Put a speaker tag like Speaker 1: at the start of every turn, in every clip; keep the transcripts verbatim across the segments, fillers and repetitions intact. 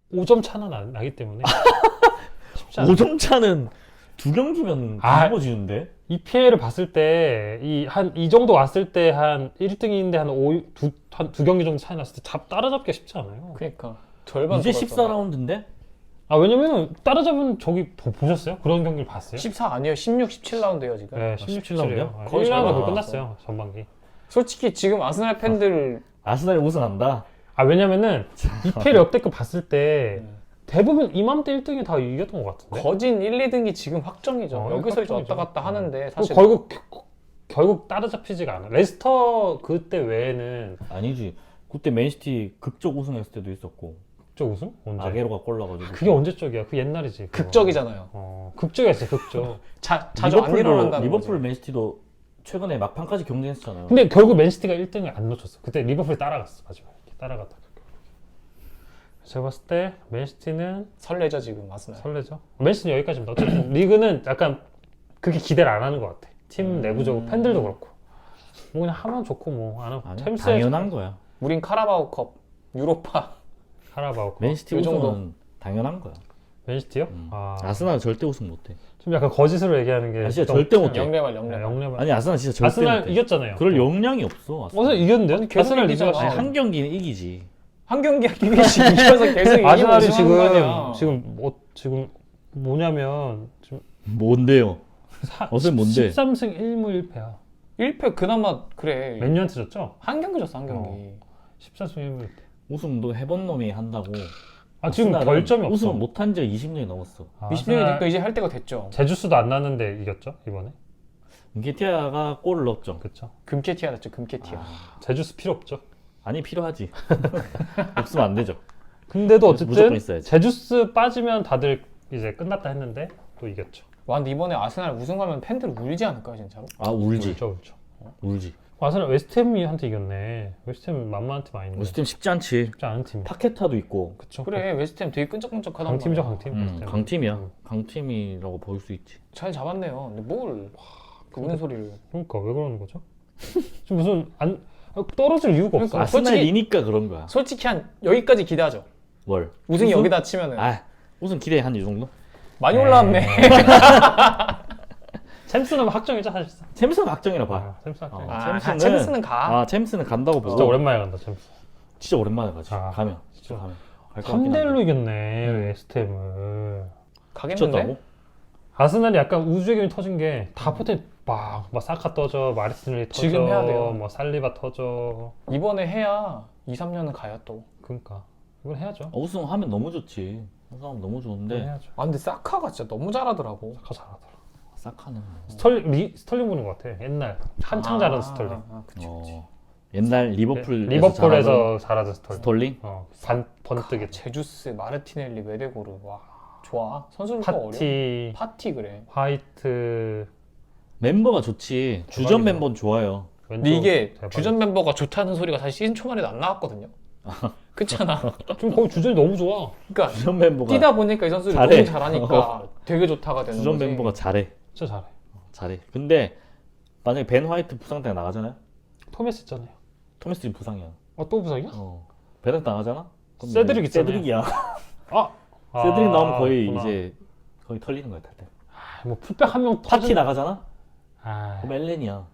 Speaker 1: 오 점 차는 안 나기 때문에 쉽지 않아요.
Speaker 2: 오 점 차는 두 경기면
Speaker 1: 아.
Speaker 2: 뒤집어지는데?
Speaker 1: 이피엘을 봤을 때 이 한 이 정도 왔을 때 한 일 등인데 한 오, 두, 한 두 경기 정도 차이 났을 때 잡, 따라잡기가 쉽지 않아요.
Speaker 3: 그러니까 절반
Speaker 2: 이제
Speaker 3: 돌았잖아.
Speaker 2: 십사 라운드인데?
Speaker 1: 아 왜냐면 따라잡은 저기 보, 보셨어요? 그런 경기를 봤어요?
Speaker 3: 십사 아니에요. 십육, 십칠 라운드예요 지금.
Speaker 1: 네,
Speaker 2: 십칠
Speaker 1: 십칠
Speaker 2: 라운드요?
Speaker 1: 라운드요.
Speaker 3: 거의
Speaker 1: 일 라운드
Speaker 3: 절반
Speaker 1: 끝났어요 전반기.
Speaker 3: 솔직히 지금 아스날 팬들
Speaker 2: 아스날이 우승한다?
Speaker 1: 아 왜냐면은 이피엘 역대급 봤을 때 대부분 이맘때 일 등이 다 이겼던 것 같은데.
Speaker 3: 거진 일, 이 등이 지금 확정이죠.
Speaker 1: 어,
Speaker 3: 여기서 이제
Speaker 1: 확정이죠.
Speaker 3: 왔다 갔다 하는데
Speaker 1: 그
Speaker 3: 사실
Speaker 1: 결국 결국 따라잡히지가 않아. 레스터 그때 외에는
Speaker 2: 아니지. 그때 맨시티 극적 우승했을 때도 있었고
Speaker 1: 저 우승 언제?
Speaker 2: 아게로가 골 넣어가지고.
Speaker 1: 그게 언제적이야? 그 옛날이지. 그거.
Speaker 3: 극적이잖아요.
Speaker 1: 어 극적이었어 극적.
Speaker 3: 자, 자주 안 일어난다는
Speaker 2: 리버풀
Speaker 3: 거지.
Speaker 2: 맨시티도 최근에 막판까지 경쟁했잖아요.
Speaker 1: 근데 결국 맨시티가 일 등을 안 놓쳤어. 그때 리버풀이 따라갔어 마지막에. 따라갔다. 제가 봤을 때 맨시티는
Speaker 3: 설레죠 지금 아스날.
Speaker 1: 설레죠. 맨시티는 여기까지입니다. 어쨌든 리그는 약간 그렇게 기대를 안 하는 것 같아. 팀 내부적으로 팬들도 그렇고. 뭐 그냥 하면 좋고 뭐 안 하고.
Speaker 2: 아니,
Speaker 1: 챔스에
Speaker 2: 당연한 거야.
Speaker 3: 우린 카라바오컵, 유로파.
Speaker 1: 카라바오.
Speaker 2: 맨시티
Speaker 3: 요 정도.
Speaker 2: 우승은 당연한 거야.
Speaker 1: 맨시티요?
Speaker 2: 음.
Speaker 1: 아,
Speaker 2: 아스날은 절대 우승 못해.
Speaker 1: 좀 약간 거짓으로 얘기하는 게.
Speaker 2: 아, 진짜
Speaker 1: 좀-
Speaker 2: 절대 못해.
Speaker 3: 영레발
Speaker 1: 네,
Speaker 3: 영레발.
Speaker 1: 영레발.
Speaker 2: 아니 아스날 진짜 절대
Speaker 1: 아스날
Speaker 2: 못해.
Speaker 1: 이겼잖아요.
Speaker 2: 그럴 역량이 없어. 아스날.
Speaker 1: 어서 이겼는데요?
Speaker 3: 아니, 계속
Speaker 1: 아스날
Speaker 3: 이기잖아.
Speaker 1: 리그가
Speaker 2: 아니, 한 경기는 이기지.
Speaker 3: 한 경기 한 경기씩 이겨서 계속 이기고
Speaker 1: 아스날이
Speaker 3: 우승하는 거 아니야.
Speaker 1: 지금 지금 뭐 지금 뭐냐면 지금
Speaker 2: 뭔데요?
Speaker 1: 사,
Speaker 2: 어제 뭔데?
Speaker 1: 십삼 승 일 무 일 패야.
Speaker 3: 일 패 그나마 그래.
Speaker 1: 맨유한테 졌죠?
Speaker 3: 한 경기 졌어 한 경기.
Speaker 1: 어. 십삼 승 일 무 일 패.
Speaker 2: 우승도 해본 놈이 한다고.
Speaker 1: 아 지금
Speaker 2: 아스날은
Speaker 1: 결점이 없어.
Speaker 2: 우승 못한 지가 이십 년이 넘었어.
Speaker 1: 아,
Speaker 3: 이십 년이
Speaker 1: 아스날
Speaker 3: 되니까 이제 할 때가 됐죠.
Speaker 1: 제주스도 안 났는데 이겼죠 이번에.
Speaker 2: 은케티아가 골을 넣었죠.
Speaker 1: 그렇죠.
Speaker 3: 금캐티아 됐죠 금캐티아.
Speaker 1: 제주스 필요 없죠.
Speaker 2: 아니 필요하지. 없으면 안 되죠.
Speaker 1: 근데도
Speaker 2: 무조건
Speaker 1: 어쨌든
Speaker 2: 있어야지.
Speaker 1: 제주스 빠지면 다들 이제 끝났다 했는데 또 이겼죠.
Speaker 3: 와 근데 이번에 아스날 우승하면 팬들 울지 않을까요 진짜로?
Speaker 2: 아 울지.
Speaker 1: 울죠 울죠.
Speaker 2: 울지.
Speaker 1: 아스날 웨스트햄한테 이겼네. 웨스트햄 만만한 팀 아닌데.
Speaker 2: 웨스트햄 쉽지 않지.
Speaker 1: 쉽지 않은 팀.
Speaker 2: 파케타도 있고.
Speaker 1: 그쵸.
Speaker 3: 그래 웨스트햄 되게 끈적끈적하단
Speaker 1: 강팀이죠
Speaker 3: 말이야.
Speaker 1: 강팀.
Speaker 2: 음,
Speaker 1: 웨스트햄.
Speaker 2: 강팀이야.
Speaker 1: 음.
Speaker 2: 강팀이라고 볼 수 있지.
Speaker 3: 잘 잡았네요. 근데 뭘 그 우는 소리를.
Speaker 1: 그러니까 왜 그러는 거죠? 지금 무슨 안 떨어질 이유가 없어.
Speaker 3: 그러니까.
Speaker 2: 아스날이니까 그런 거야.
Speaker 3: 솔직히 한 여기까지 기대하죠.
Speaker 2: 뭘?
Speaker 3: 우승이
Speaker 2: 우승?
Speaker 3: 여기다 치면은
Speaker 2: 아 우승 기대 한 이 정도?
Speaker 3: 많이 올라왔네.
Speaker 1: 챔스는 확정이죠 사실상.
Speaker 2: 챔스는 확정이라 봐.
Speaker 1: 아, 챔스 확정.
Speaker 2: 어.
Speaker 3: 아,
Speaker 2: 챔스는-
Speaker 3: 챔스는 가.
Speaker 2: 아 챔스는 간다고 보고.
Speaker 1: 진짜 오랜만에 간다 챔스.
Speaker 2: 진짜 오랜만에 가지.
Speaker 1: 아,
Speaker 2: 가면.
Speaker 1: 진짜.
Speaker 2: 진짜 가면. 갈것
Speaker 1: 삼
Speaker 2: 같긴
Speaker 1: 대
Speaker 2: 한데.
Speaker 1: 일로 이겼네 웨스트햄을.
Speaker 3: 가겠는데?
Speaker 2: 미쳤다고?
Speaker 1: 아스날이 약간 우주의 기운이 터진 게 다 포텐 막, 막 사카 떠져, 마르티넬리 터져,
Speaker 3: 지금 해야 돼요.
Speaker 1: 뭐 살리바 터져.
Speaker 3: 이번에 해야 이, 삼 년은 가야 또.
Speaker 1: 그러니까 이건 해야죠.
Speaker 2: 어, 우승하면 너무 좋지. 우승하면 너무
Speaker 1: 이건
Speaker 2: 좋은데.
Speaker 1: 해야죠.
Speaker 3: 아 근데 사카가 진짜 너무 잘하더라고.
Speaker 1: 사카 잘하더라.
Speaker 2: 사카는. 뭐.
Speaker 1: 스털링 리, 스털링 보는 것 같아. 옛날 한창 잘하던 스털링.
Speaker 3: 아, 아, 그치, 그치.
Speaker 2: 어, 옛날 리버풀
Speaker 1: 리버풀에서 잘하던 스털링.
Speaker 2: 스톨링?
Speaker 1: 어, 반 번뜩이
Speaker 3: 제주스, 마르티넬리, 메데고르 와 좋아. 선수들 또 어려.
Speaker 1: 파티,
Speaker 3: 파티 그래.
Speaker 1: 화이트.
Speaker 2: 멤버가 좋지. 주전
Speaker 1: 대박이다.
Speaker 2: 멤버는 좋아요.
Speaker 3: 근데
Speaker 1: 왼쪽
Speaker 3: 이게
Speaker 1: 대박이다.
Speaker 3: 주전 멤버가 좋다는 소리가 사실 시즌 초반에도 안 나왔거든요. 그렇잖아.
Speaker 1: 지금 거의 주전이 너무 좋아.
Speaker 3: 그러니까
Speaker 2: 주전 멤버가
Speaker 3: 뛰다 보니까 이 선수들이
Speaker 2: 잘해.
Speaker 3: 너무 잘하니까 되게 좋다가 되는
Speaker 2: 주전
Speaker 3: 거지.
Speaker 2: 멤버가 잘해.
Speaker 1: 진짜 잘해.
Speaker 2: 잘해. 근데 만약에 벤 화이트 부상 때문에 나가잖아요.
Speaker 1: 토메스 있잖아요.
Speaker 2: 토미스는 부상이야.
Speaker 1: 어, 또 부상이야?
Speaker 2: 어. 베르 나가잖아. 그럼
Speaker 1: 세드릭
Speaker 2: 이제
Speaker 1: 있잖아요.
Speaker 2: 세드릭이야.
Speaker 1: 아,
Speaker 2: 세드릭
Speaker 1: 아,
Speaker 2: 나오면 거의
Speaker 1: 그렇구나.
Speaker 2: 이제 거의 털리는 거야 탈 때.
Speaker 1: 아, 뭐 풀백 한 명
Speaker 2: 파티
Speaker 1: 터진.
Speaker 2: 나가잖아.
Speaker 1: 아,
Speaker 2: 그럼 엘렌이야.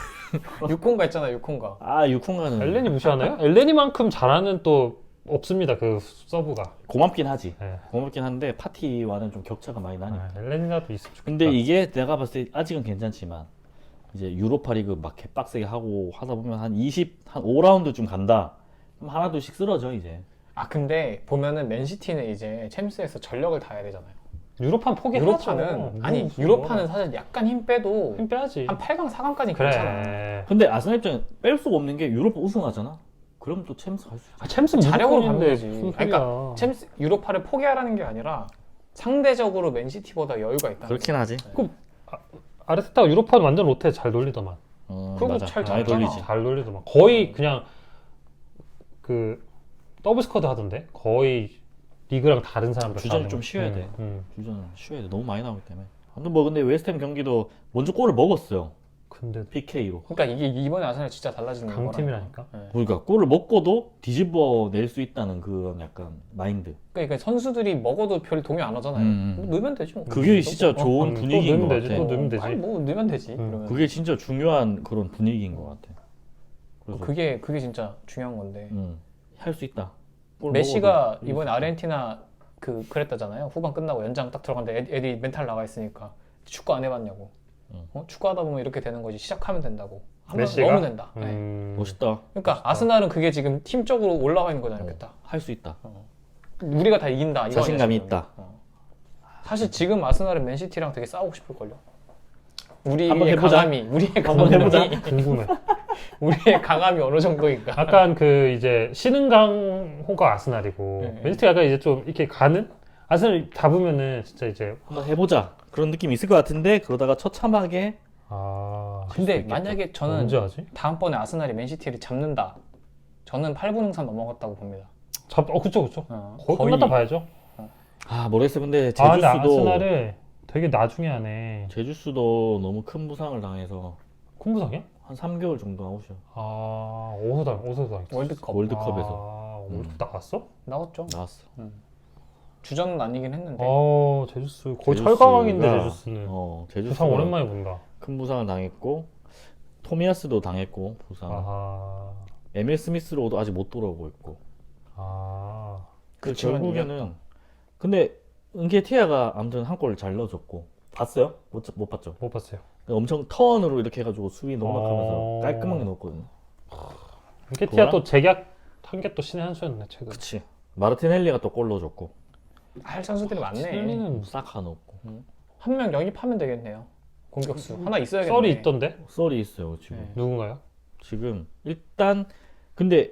Speaker 3: 육콘가 있잖아 육콘가.
Speaker 2: 아 유콩가는
Speaker 1: 엘렌이 무시하나요? 엘렌이만큼 잘하는 또 없습니다. 그 서브가.
Speaker 2: 고맙긴 하지.
Speaker 1: 네.
Speaker 2: 고맙긴 한데 파티와는 좀 격차가 많이 나니까.
Speaker 1: 아, 엘렌이라도 있으면 좋겠다.
Speaker 2: 근데 이게 내가 봤을 때 아직은 괜찮지만 이제 유로파리그 막 개빡세게 하고 하다 보면 한 이십, 한 오 라운드쯤 간다. 그럼 하나 둘씩 쓰러져 이제.
Speaker 3: 아 근데 보면은 맨시티는 이제 챔스에서 전력을 다해야 되잖아요.
Speaker 1: 유로판 포기하죠.
Speaker 3: 유로파는 아니
Speaker 1: 무슨
Speaker 3: 유로파는
Speaker 1: 뭐.
Speaker 3: 사실 약간 힘 빼도
Speaker 1: 힘 빼야지.
Speaker 3: 한 팔 강, 사 강까지 괜찮아.
Speaker 1: 그래.
Speaker 2: 근데 아스날 입장에 뺄 수가 없는 게 유로파 우승하잖아. 그럼 또 챔스 갈 수 있지.
Speaker 1: 아, 챔스
Speaker 3: 자력으로
Speaker 1: 무조건인데
Speaker 3: 가면 되지.
Speaker 1: 무슨
Speaker 3: 그러니까
Speaker 1: 소리야.
Speaker 3: 챔스 유로파를 포기하라는 게 아니라 상대적으로 맨시티보다 여유가 있다.
Speaker 2: 그렇긴 하지.
Speaker 1: 아르테타가 유로파는 완전 로테 잘 돌리더만.
Speaker 2: 어,
Speaker 3: 그리고
Speaker 2: 맞아.
Speaker 3: 잘
Speaker 2: 많이
Speaker 3: 잡잖아.
Speaker 2: 돌리지.
Speaker 1: 잘 돌리더만. 거의 그냥 그 더블 스쿼드 하던데. 거의 리그랑 다른 사람들.
Speaker 2: 주전이
Speaker 1: 다
Speaker 2: 좀
Speaker 1: 하는
Speaker 2: 쉬어야
Speaker 1: 거.
Speaker 2: 돼.
Speaker 1: 음, 음.
Speaker 2: 주전은 쉬어야 돼. 너무 많이 나오기 때문에. 아무튼 뭐 근데 웨스트햄 경기도 먼저 골을 먹었어요.
Speaker 1: 근데
Speaker 2: 피케이로.
Speaker 3: 그러니까 이게 이번에 아스날 진짜 달라지는 거라니까.
Speaker 1: 강팀이라니까.
Speaker 3: 네.
Speaker 2: 그러니까 골을 먹고도 뒤집어 낼 수 있다는 그런 약간 마인드.
Speaker 3: 그러니까 선수들이 먹어도 별 동요 안 하잖아요.
Speaker 2: 음.
Speaker 3: 뭐 넣으면 되지 뭐.
Speaker 2: 그게 진짜
Speaker 3: 어,
Speaker 2: 좋은
Speaker 1: 음, 또
Speaker 2: 분위기인 것
Speaker 1: 넣으면 되지,
Speaker 2: 같아.
Speaker 1: 또 넣으면 되지.
Speaker 3: 아니 뭐 넣으면 되지.
Speaker 1: 음.
Speaker 3: 그러면.
Speaker 2: 그게 진짜 중요한 그런 분위기인 것 같아. 그래서
Speaker 3: 그게 그게 진짜 중요한 건데.
Speaker 2: 음, 할 수 있다. 골
Speaker 3: 메시가
Speaker 2: 먹어도
Speaker 3: 이번에 아르헨티나 그 그랬다잖아요. 후반 끝나고 연장 딱 들어갔는데 애- 애들이 멘탈 나가 있으니까 축구 안 해봤냐고.
Speaker 2: 음.
Speaker 3: 어? 축구하다 보면 이렇게 되는 거지. 시작하면 된다고. 한번
Speaker 1: 메시가?
Speaker 3: 넣으면 된다. 네.
Speaker 1: 음,
Speaker 2: 멋있다.
Speaker 3: 그러니까 아스날은 그게 지금 팀적으로 올라와 있는 거잖아요.
Speaker 2: 어,
Speaker 3: 딱.
Speaker 2: 할 수 있다.
Speaker 3: 우리가 다 이긴다. 이거
Speaker 2: 자신감이
Speaker 3: 아니야, 지금.
Speaker 2: 있다.
Speaker 3: 어. 사실 지금 아스날은 맨시티랑 되게 싸우고 싶을 걸요.
Speaker 2: 한번
Speaker 3: 우리의
Speaker 2: 해보자.
Speaker 3: 강함이, 우리의
Speaker 2: 한번
Speaker 3: 강함이,
Speaker 2: 해보자.
Speaker 1: 궁금해.
Speaker 3: 우리의 강함이 어느 정도인가.
Speaker 1: 약간 그 이제 신흥강호가 아스날이고
Speaker 3: 네.
Speaker 1: 맨시티가 약간 이제 좀 이렇게 가는 아스날 잡으면은 진짜 이제
Speaker 2: 한번 해보자. 그런 느낌이 있을 것 같은데 그러다가 처참하게
Speaker 1: 아
Speaker 3: 근데
Speaker 2: 있겠다.
Speaker 3: 만약에 저는
Speaker 1: 언제 하지?
Speaker 3: 다음번에 아스날이 맨시티를 잡는다. 저는 팔 분 응산 넘어갔다고 봅니다.
Speaker 1: 잡, 어 그쵸 그쵸.
Speaker 3: 어,
Speaker 1: 거의, 끝났다 봐야죠.
Speaker 2: 아 모르겠어. 근데
Speaker 1: 아 근데
Speaker 2: 제주스도
Speaker 1: 아스날을 되게 나중에 하네.
Speaker 2: 제주스도 너무 큰 부상을 당해서
Speaker 1: 콩부상이야?
Speaker 2: 한 삼 개월 정도 아웃이야.
Speaker 1: 아 어디서 당 어디서 당했어?
Speaker 3: 월드컵
Speaker 2: 월드컵에서
Speaker 1: 아, 월드컵 나갔어?
Speaker 3: 나왔죠.
Speaker 2: 나왔어.
Speaker 3: 주전은 아니긴 했는데.
Speaker 1: 아 제주스 거의
Speaker 2: 제주스가-
Speaker 1: 철강왕인데 제주스는.
Speaker 2: 어,
Speaker 1: 부상
Speaker 2: 제주스가
Speaker 1: 오랜만에 본다.
Speaker 2: 큰 부상을 당했고 토미야스도 당했고 부상.
Speaker 1: 아하.
Speaker 2: 에밀 스미스로도 아직 못 돌아오고 있고.
Speaker 1: 아.
Speaker 2: 그
Speaker 3: 그치만
Speaker 2: 결국에는
Speaker 3: 이겼다.
Speaker 2: 근데 은케티아가 아무튼 한 골 잘 넣어줬고 봤어요? 못, 못 봤죠?
Speaker 1: 못 봤어요.
Speaker 2: 엄청 턴으로 이렇게 해가지고 수비 농락하면서
Speaker 1: 어.
Speaker 2: 깔끔하게 넣었거든요.
Speaker 1: 은케티아
Speaker 2: 그거랑-
Speaker 1: 또 재계약 한 게 또 신의 한 수였네 최근.
Speaker 2: 그치. 마르티넬리가 또 골 넣어줬고
Speaker 3: 할 선수들이 많네.
Speaker 1: 칠리는
Speaker 2: 사카 넣었고
Speaker 3: 한 명 영입하면 되겠네요. 공격수 하나 있어야겠네.
Speaker 1: 썰이 있던데
Speaker 2: 썰이 있어요 지금.
Speaker 3: 네.
Speaker 1: 누군가요?
Speaker 2: 지금 일단 근데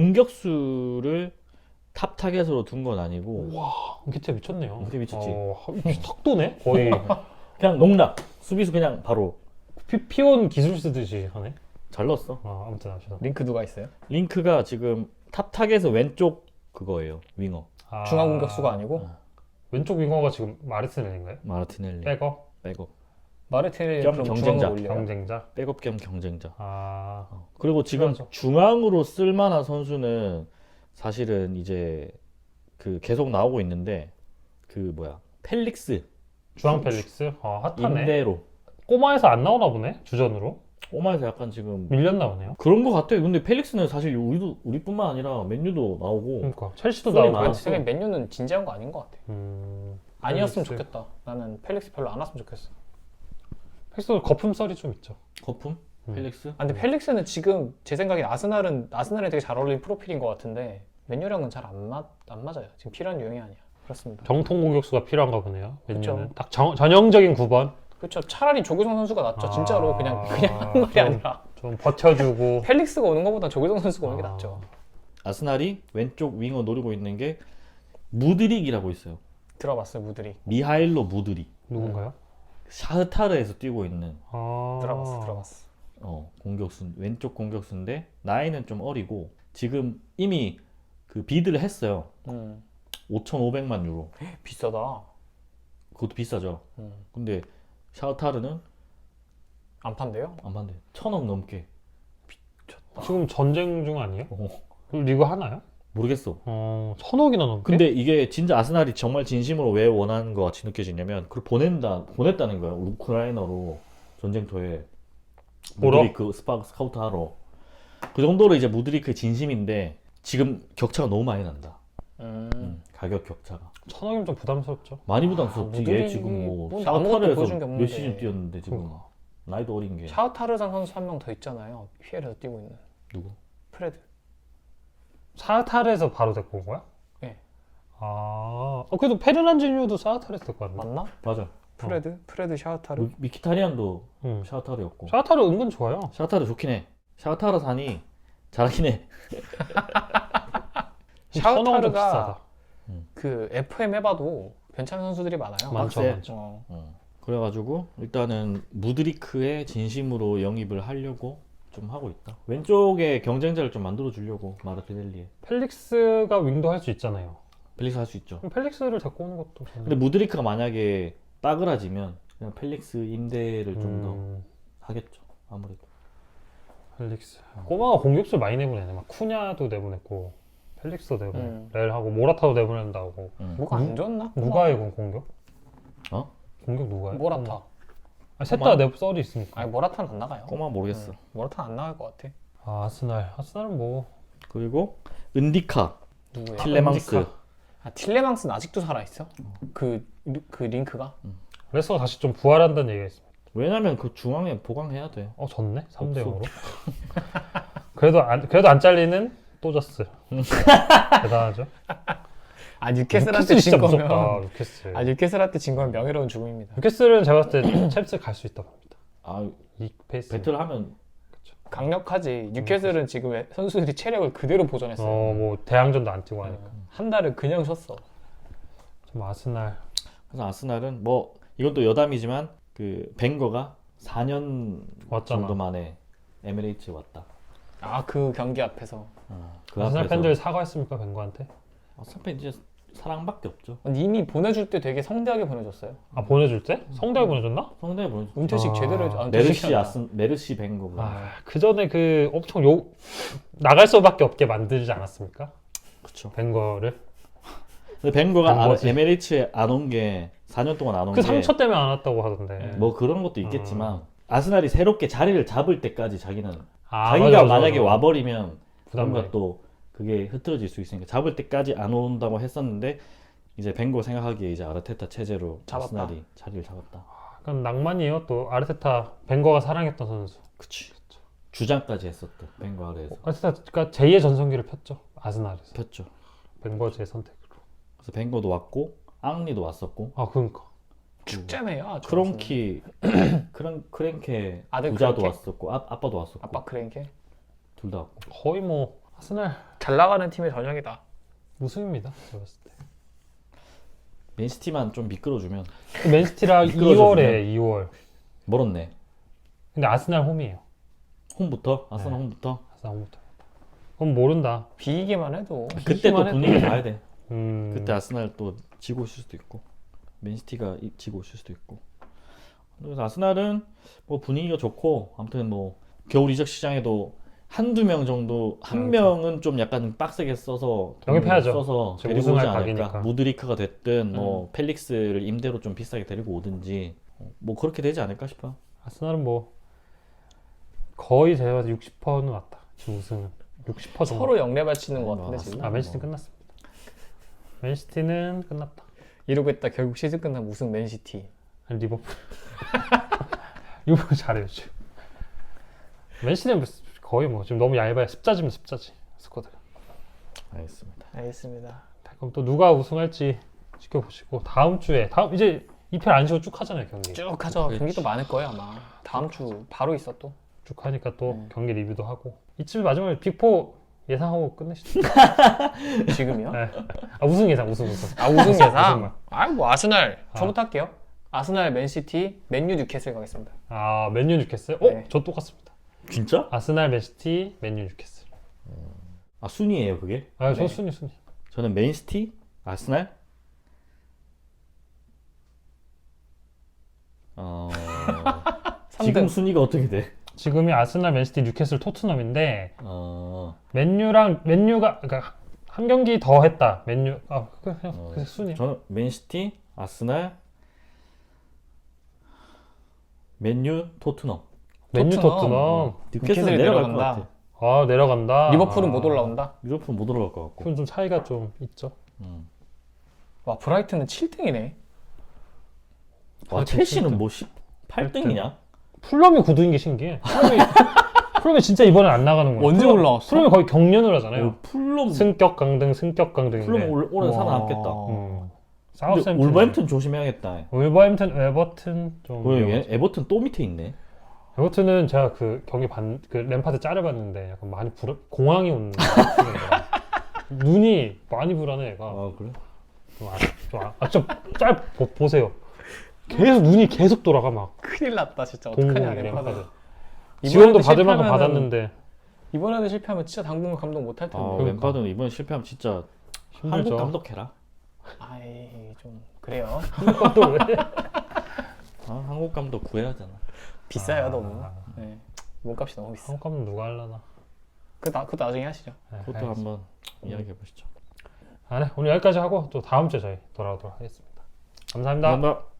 Speaker 2: 공격수를 탑 타겟으로 둔 건 아니고
Speaker 1: 은케티아 미쳤네요.
Speaker 2: 은케티아 미쳤지.
Speaker 1: 어, 하- 탁 도네 거의.
Speaker 2: 그냥 농락 수비수 그냥 바로
Speaker 1: 피, 피온 기술 쓰듯이 하네.
Speaker 2: 잘 넣었어.
Speaker 1: 아 아무튼 아시다.
Speaker 3: 링크 누가 있어요?
Speaker 2: 링크가 지금 탑 타겟은 왼쪽 그거예요 윙어
Speaker 1: 아,
Speaker 3: 중앙 공격수가 아니고
Speaker 1: 왼쪽 윙어가 지금 마르티넬인가요?
Speaker 2: 마르티넬리
Speaker 1: 백업
Speaker 2: 백업
Speaker 3: 마르티넬리
Speaker 2: 겸
Speaker 3: 그럼
Speaker 2: 경쟁자,
Speaker 3: 중앙으로 올려요?
Speaker 1: 경쟁자.
Speaker 2: 백업 겸 경쟁자.
Speaker 1: 아
Speaker 2: 어. 그리고 지금
Speaker 1: 필요하죠.
Speaker 2: 중앙으로 쓸만한 선수는 사실은 이제 그 계속 나오고 있는데 그 뭐야 펠릭스
Speaker 1: 주앙 펠릭스. 아 핫하네.
Speaker 2: 임대로
Speaker 1: 꼬마에서 안 나오나 보네 주전으로.
Speaker 2: 오마에서 약간 지금
Speaker 1: 밀렸나 보네요.
Speaker 2: 그런 거 같아요. 근데 펠릭스는 사실 우리도 우리뿐만 아니라 맨유도 나오고
Speaker 1: 그러니까 첼시도
Speaker 2: 썰이
Speaker 1: 나오고.
Speaker 2: 많았어.
Speaker 3: 생각에 맨유는 진지한 거 아닌 것 같아.
Speaker 1: 음,
Speaker 3: 아니었으면
Speaker 1: 펠릭스.
Speaker 3: 좋겠다. 나는 펠릭스 별로 안 왔으면 좋겠어.
Speaker 1: 펠릭스도 거품 썰이 좀 있죠.
Speaker 2: 거품
Speaker 1: 음.
Speaker 2: 펠릭스.
Speaker 3: 아, 근데 펠릭스는 지금 제 생각에 아스날은 아스날에 되게 잘 어울리는 프로필인 것 같은데 맨유랑은 잘 안 맞, 안 맞아요. 지금 필요한 유형이 아니야. 그렇습니다.
Speaker 1: 정통 공격수가 필요한가 보네요.
Speaker 3: 그쵸.
Speaker 1: 맨유는 딱 정, 전형적인 구 번.
Speaker 3: 그렇죠. 차라리 조규성 선수가 낫죠.
Speaker 1: 아,
Speaker 3: 진짜로 그냥 그냥 한 말이
Speaker 1: 좀-
Speaker 3: 아니라
Speaker 1: 좀 버텨주고.
Speaker 3: 펠릭스가 오는 것보다 조규성 선수가 오는 게
Speaker 1: 아.
Speaker 3: 낫죠.
Speaker 2: 아스날이 왼쪽 윙어 노리고 있는 게 무드릭이라고 있어요.
Speaker 3: 들어봤어요, 무들이.
Speaker 2: 미하일로 무드릭.
Speaker 1: 누군가요?
Speaker 2: 샤흐타르에서 뛰고 있는
Speaker 1: 아,
Speaker 3: 들어봤어, 들어봤어.
Speaker 2: 어, 공격수 왼쪽 공격수인데 나이는 좀 어리고 지금 이미 그 비드를 했어요.
Speaker 3: 음,
Speaker 2: 오천오백만 유로.
Speaker 3: 비싸다.
Speaker 2: 그것도 비싸죠.
Speaker 3: 음.
Speaker 2: 근데 샤흐타르는
Speaker 3: 안 판대요?
Speaker 2: 안 받네. 천억 넘게.
Speaker 1: 지금 전쟁 중 아니에요?
Speaker 2: 어,
Speaker 1: 그 리그 하나요?
Speaker 2: 모르겠어.
Speaker 1: 어, 천억이나 넘게?
Speaker 2: 근데 이게 진짜 아스날이 정말 진심으로 왜 원하는 것 같이 느껴지냐면 그걸 보낸다 보냈다는 거야. 우크라이나로 전쟁터에
Speaker 1: 보러?
Speaker 2: 무드리크 스파 스카우트 하러. 그 정도로 이제 무드리크의 진심인데 지금 격차가 너무 많이 난다.
Speaker 3: 음.
Speaker 2: 음, 가격 격차가
Speaker 1: 천억이면 좀 부담스럽죠.
Speaker 2: 많이 부담스럽지.
Speaker 3: 아,
Speaker 2: 얘
Speaker 3: 무드릭이
Speaker 2: 지금 뭐
Speaker 3: 뭐 아무것도 보여준 게
Speaker 2: 샤흐타르에서
Speaker 3: 없는데.
Speaker 2: 몇 시즌 뛰었는데 지금
Speaker 1: 그러니까.
Speaker 2: 나이도 어린 게
Speaker 3: 샤흐타르산 선수 한 명 더 있잖아요. 피엘에서 뛰고 있는
Speaker 2: 누구?
Speaker 3: 프레드.
Speaker 1: 사타르에서 바로 데리고 온 거야?
Speaker 3: 네.
Speaker 1: 아, 어, 그래도 페르난지뉴도 사타르에서 데리고 왔나?
Speaker 3: 맞나?
Speaker 2: 맞아.
Speaker 3: 프레드? 프레드 샤흐타르?
Speaker 2: 미- 미키타리안도
Speaker 1: 응.
Speaker 2: 샤흐타르였고.
Speaker 1: 사타르 은근 좋아요.
Speaker 2: 샤흐타르 좋긴 해. 샤흐타르 산이 잘하긴 해.
Speaker 1: 천억은 좀
Speaker 3: 샤흐타르가
Speaker 1: 비싸다.
Speaker 3: 그 에프엠 해봐도 괜찮은 선수들이 많아요.
Speaker 1: 많죠,
Speaker 2: 빡세.
Speaker 1: 많죠.
Speaker 3: 어.
Speaker 2: 어. 그래가지고 일단은 무드리크의 진심으로 영입을 하려고 좀 하고 있다. 왼쪽에 경쟁자를 좀 만들어 주려고 마르티넬리에.
Speaker 1: 펠릭스가 윙도 할 수 있잖아요.
Speaker 2: 펠릭스 할 수 있죠.
Speaker 1: 그럼 펠릭스를 데리고 오는 것도 저는-
Speaker 2: 근데 무드리크가 만약에 빠그라지면 그냥 펠릭스 임대를 좀 더
Speaker 1: 음,
Speaker 2: 하겠죠. 아무래도.
Speaker 1: 펠릭스. 꼬마가 공격수 많이 내보내네. 막 쿠냐도 내보냈고 펠릭스도 내보내.
Speaker 3: 음.
Speaker 1: 렐하고 모라타도 내보낸다고.
Speaker 2: 음.
Speaker 3: 뭐가 안 좋았나?
Speaker 1: 누가 해 그럼 공격?
Speaker 2: 어?
Speaker 1: 공격 누가 해?
Speaker 3: 모라타.
Speaker 1: 아, 셋다 내 썰이 있으니까.
Speaker 3: 아니 모라타는 안 나가요.
Speaker 2: 꼬마 모르겠어.
Speaker 3: 음, 모라타는 안 나갈 것 같아.
Speaker 1: 아, 아스날. 아스날은 뭐
Speaker 2: 그리고 은디카,
Speaker 3: 누구야?
Speaker 2: 틸레망스.
Speaker 1: 은디카.
Speaker 3: 아 틸레망스는 아직도 살아 있어? 그 그 링크가?
Speaker 1: 레스가 다시 좀 부활한다는 얘기가 있습니다.
Speaker 2: 왜냐면 그 중앙에 보강해야 돼.
Speaker 1: 어, 졌네? 삼 대
Speaker 2: 없어.
Speaker 1: 영으로. 그래도 안 그래도 안 잘리는 또저스. 대단하죠.
Speaker 3: 아 뉴캐슬한테
Speaker 1: 뉴캐슬이
Speaker 3: 진
Speaker 1: 진짜
Speaker 3: 거면
Speaker 1: 무섭다. 뉴캐슬.
Speaker 3: 아 뉴캐슬한테 진 거면 명예로운 죽음입니다.
Speaker 1: 뉴캐슬은 제가 봤을 때 챔스 갈 수 있다고 봅니다.
Speaker 2: 아
Speaker 1: 이 페이스.
Speaker 2: 배틀하면
Speaker 3: 강력하지. 뉴캐슬은 지금 선수들이 체력을 그대로 보존했어요.
Speaker 1: 어, 뭐 대항전도 안 뛰고 하니까.
Speaker 3: 음, 한 달을 그냥 쉬었어.
Speaker 1: 좀 아스날.
Speaker 2: 그래서 아스날은 뭐 이건 또 여담이지만 그 벵거가 사 년
Speaker 1: 왔잖아.
Speaker 2: 정도 만에 에미레이트에 왔다.
Speaker 3: 아 그 경기 앞에서
Speaker 2: 어, 그
Speaker 1: 아스날
Speaker 2: 앞에서
Speaker 1: 팬들 사과했습니까 벵거한테?
Speaker 2: 아스날 팬 이제 사랑밖에 없죠.
Speaker 3: 이미 보내줄 때 되게 성대하게 보내줬어요.
Speaker 1: 아, 보내줄 때? 성대에 보내줬나?
Speaker 2: 성대 보내.
Speaker 3: 은퇴식
Speaker 1: 아,
Speaker 3: 제대로 아,
Speaker 2: 메르시
Speaker 3: 은퇴식이 아니라.
Speaker 2: 아스 메르시 벵거.
Speaker 1: 아, 그 전에 그 엄청 욕 나갈 수밖에 없게 만들지 않았습니까?
Speaker 2: 그렇죠.
Speaker 1: 벵거를.
Speaker 2: 근데 벵거가 안-
Speaker 1: 벵거지.
Speaker 2: 에미레이트에 안 온 게 사 년 동안 안 온
Speaker 1: 그
Speaker 2: 게
Speaker 1: 상처 때문에 안 왔다고 하던데.
Speaker 2: 뭐 그런 것도 있겠지만 아스날이 새롭게 자리를 잡을 때까지 자기는
Speaker 1: 아,
Speaker 2: 자기가
Speaker 1: 맞아, 맞아,
Speaker 2: 만약에
Speaker 1: 맞아.
Speaker 2: 와버리면
Speaker 1: 부담돼.
Speaker 2: 뭔가 또 그게 흐트러질 수 있으니까 잡을 때까지 안 온다고 했었는데 이제 벵거 생각하기에 이제 아르테타 체제로
Speaker 3: 잡았다.
Speaker 2: 아스날이 자리를 잡았다.
Speaker 1: 약간 낭만이에요. 또 아르테타 벵거가 사랑했던 선수.
Speaker 2: 그치. 주장까지 했었던 벵거 아래에서
Speaker 1: 아르테타가 제이의 전성기를 폈죠. 아스날에서.
Speaker 2: 폈죠.
Speaker 1: 벵거제의 선택으로.
Speaker 2: 그래서 벵거도 왔고 앙리도 왔었고
Speaker 1: 아, 그러니까.
Speaker 3: 축제네요. 아주.
Speaker 2: 크론키 크런 크랭케
Speaker 3: 아들
Speaker 2: 부자도
Speaker 3: 크랭케?
Speaker 2: 왔었고 아, 아빠도 왔었고
Speaker 3: 아빠 크랭케
Speaker 2: 둘 다 왔고
Speaker 1: 거의 뭐 아스날
Speaker 3: 잘 나가는 팀의 전형이다.
Speaker 1: 우승입니다. 제가 봤을 때.
Speaker 2: 맨시티만 좀 미끄러주면
Speaker 1: 그 맨시티랑
Speaker 2: 미끄러져
Speaker 1: 이월에 이월.
Speaker 2: 멀었네.
Speaker 1: 근데 아스날 홈이에요.
Speaker 2: 홈부터 아스날
Speaker 1: 네.
Speaker 2: 홈부터
Speaker 1: 아스날 홈부터. 그럼 모른다.
Speaker 3: 비기기만 해도
Speaker 2: 그때 또
Speaker 1: 이기만 해도-
Speaker 2: 분위기 봐야 돼.
Speaker 1: 음.
Speaker 2: 그때 아스날 또 지고 있을 수도 있고 맨시티가 이- 지고 있을 수도 있고. 그래서 아스날은 뭐 분위기가 좋고 아무튼 뭐 겨울 이적 시장에도 한두 명 정도 한 명은 좀 약간 빡세게 써서 돈을
Speaker 1: 영입해야죠.
Speaker 2: 써서
Speaker 1: 지금
Speaker 2: 데리고 오지
Speaker 1: 우승할
Speaker 2: 않을까.
Speaker 1: 각이니까.
Speaker 2: 무드리크가 됐든 뭐
Speaker 3: 음.
Speaker 2: 펠릭스를 임대로 좀 비싸게 데리고 오든지 뭐 그렇게 되지 않을까 싶어요.
Speaker 1: 아스날은 뭐 거의 제가 봤을 때 육십 퍼센트는 왔다. 지금 우승은 육십 퍼센트 정도.
Speaker 3: 서로 영레 바치는 것
Speaker 2: 뭐
Speaker 3: 같은데 지금.
Speaker 1: 아, 맨시티 끝났습니다. 맨시티는 끝났다.
Speaker 3: 이러고 있다 결국 시즌 끝나면 우승 맨시티.
Speaker 1: 아니, 리버풀. 리버풀 잘해요 지금. 맨시티는 뭐 거의 뭐 지금 너무 얇아요. 습자지면 습자지 스쿼드가.
Speaker 2: 알겠습니다.
Speaker 3: 알겠습니다.
Speaker 1: 그럼 또 누가 우승할지 지켜보시고 다음 주에 다음 이제 이편 안 쉬고 쭉 하잖아요 경기.
Speaker 3: 쭉 하죠.
Speaker 2: 그렇지.
Speaker 3: 경기도 많을 거예요 아마. 다음 주 바로 있어 또.
Speaker 1: 쭉 하니까 또
Speaker 3: 네.
Speaker 1: 경기 리뷰도 하고 이쯤 마지막에 빅포 예상하고 끝내시죠.
Speaker 3: 지금이요?
Speaker 1: 네. 아, 우승 예상 우승 우승.
Speaker 3: 아 우승
Speaker 1: 우승만.
Speaker 3: 예상? 아뭐 아스날
Speaker 1: 아.
Speaker 3: 저부터 할게요. 아스날, 맨시티, 맨유, 뉴캐슬 가겠습니다.
Speaker 1: 아, 맨유 뉴캐슬? 어?
Speaker 3: 네.
Speaker 1: 저 똑같습니다.
Speaker 2: 진짜?
Speaker 1: 아스날, 맨시티, 맨유 뉴캐슬.
Speaker 2: 아 순위예요 그게?
Speaker 1: 아, 저
Speaker 3: 네.
Speaker 1: 순위 순위.
Speaker 2: 저는 맨시티, 아스날. 어
Speaker 3: 삼 등.
Speaker 2: 지금 순위가 어떻게 돼?
Speaker 1: 지금이 아스날, 맨시티, 뉴캐슬, 토트넘인데
Speaker 2: 어,
Speaker 1: 맨유랑 맨유가 그러니까 한 경기 더 했다. 맨유 아, 그 그냥
Speaker 2: 어,
Speaker 1: 그 순위.
Speaker 2: 저는 맨시티, 아스날, 맨유, 토트넘.
Speaker 1: 맨유,
Speaker 3: 토트넘.
Speaker 1: 토트넘.
Speaker 2: 뉴캐슬
Speaker 3: 뉴캐슬이
Speaker 2: 내려갈 것
Speaker 3: 내려간다.
Speaker 2: 같아.
Speaker 1: 아, 내려간다.
Speaker 3: 리버풀은
Speaker 1: 아.
Speaker 3: 못 올라온다.
Speaker 2: 유로프는 못 올라갈 것 같고.
Speaker 1: 그건 좀 차이가 좀 있죠.
Speaker 2: 음.
Speaker 3: 와 브라이튼은 칠 등이네.
Speaker 2: 와
Speaker 1: 아,
Speaker 2: 첼시는
Speaker 1: 진짜.
Speaker 2: 뭐 십팔 등이냐?
Speaker 1: 풀럼이 구 등인 게 신기해. 풀럼이 풀럼이 진짜 이번에 안 나가는 거야.
Speaker 3: 언제
Speaker 1: 풀럼-
Speaker 3: 올라왔어?
Speaker 1: 풀럼이 거의 경련을 하잖아요.
Speaker 2: 어, 풀럼
Speaker 1: 승격 강등, 승격 강등인데.
Speaker 2: 풀럼 올, 올해
Speaker 3: 와.
Speaker 2: 살아남겠다.
Speaker 1: 음.
Speaker 2: 근데
Speaker 1: 사우스햄튼.
Speaker 2: 울버햄튼 조심해야겠다.
Speaker 1: 울버햄튼, 에버튼 좀.
Speaker 2: 왜
Speaker 1: 위험하죠.
Speaker 2: 얘- 에버튼 또 밑에 있네.
Speaker 1: 에버튼은 제가 그 경기 반, 그 램파드 짤을 봤는데 약간 많이 불, 공황이 오는 느낌이더라. 눈이 많이 불안해, 얘가.
Speaker 2: 아 그래?
Speaker 1: 좀 아, 좀 아, 아, 좀 짤 보세요. 계속 눈이 계속 돌아가 막.
Speaker 3: 큰일 났다 진짜.
Speaker 1: 동공
Speaker 3: 어떡하냐
Speaker 1: 램파드.
Speaker 3: 램파드.
Speaker 1: 지원도 받을 만큼
Speaker 3: 실패하면은-
Speaker 1: 받았는데
Speaker 3: 이번에도 실패하면 진짜 당분간 감독 못 할 텐데.
Speaker 2: 아
Speaker 1: 그러니까.
Speaker 2: 왼파드는 이번 실패하면 진짜 한국
Speaker 1: 힘들죠.
Speaker 2: 감독해라.
Speaker 3: 아이 좀 그래요.
Speaker 1: 또 왜?
Speaker 2: 아, 한국 감독 구해야 하잖아.
Speaker 3: 비싸요
Speaker 1: 아.
Speaker 3: 너무. 네. 몸값이 너무 비싸.
Speaker 1: 한컵은 누가 하려나.
Speaker 3: 그 나, 그거 나중에 하시죠.
Speaker 1: 네,
Speaker 2: 그것도
Speaker 1: 알겠습니다.
Speaker 2: 한번 이야기해 보시죠.
Speaker 1: 아, 네. 오늘 여기까지 하고 또 다음 주에 저희 돌아오도록 하겠습니다. 감사합니다.
Speaker 2: 감사합니다.